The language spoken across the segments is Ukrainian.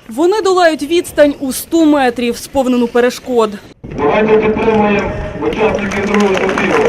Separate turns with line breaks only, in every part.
Вони долають відстань у 100 метрів, сповнену перешкод.
Давайте підтримуємо учасників другого турніру.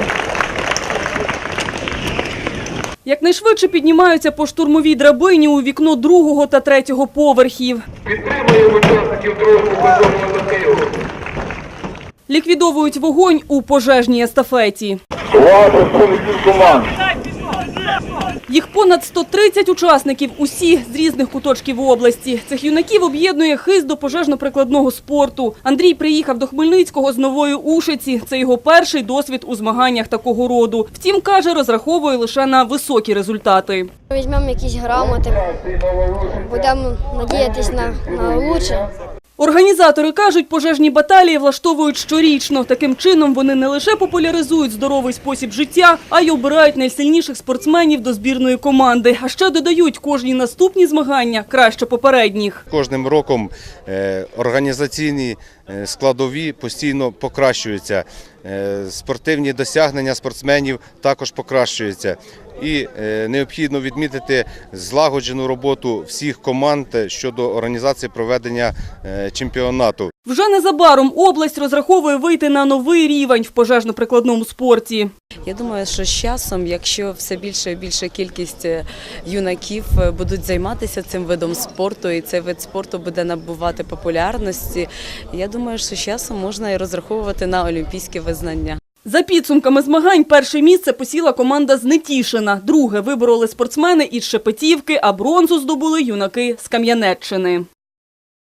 Якнайшвидше піднімаються по штурмовій драбині у вікно 2-го та 3-го поверхів.
Підтримуємо учасників другого футбольного турніру.
Ліквідовують вогонь у пожежній естафеті.
Увага представників команд.
Їх понад 130 учасників, усі з різних куточків області. Цих юнаків об'єднує хист до пожежно-прикладного спорту. Андрій приїхав до Хмельницького з Нової Ушиці. Це його перший досвід у змаганнях такого роду. Втім, каже, розраховує лише на високі результати.
Візьмемо якісь грамоти, будемо надіятися на краще.
Організатори кажуть, пожежні баталії влаштовують щорічно. Таким чином вони не лише популяризують здоровий спосіб життя, а й обирають найсильніших спортсменів до збірної команди. А ще додають, кожні наступні змагання краще попередніх.
Кожним роком організаційні складові постійно покращуються. Спортивні досягнення спортсменів також покращуються. І необхідно відмітити злагоджену роботу всіх команд щодо організації проведення чемпіонату.
Вже незабаром область розраховує вийти на новий рівень в пожежно-прикладному спорті.
Я думаю, що з часом, якщо все більше і більша кількість юнаків будуть займатися цим видом спорту, і цей вид спорту буде набувати популярності, я думаю, що з часом можна і розраховувати на олімпійське визнання.
За підсумками змагань перше місце посіла команда з Нетішина. Друге вибороли спортсмени із Шепетівки, а бронзу здобули юнаки з Кам'янеччини.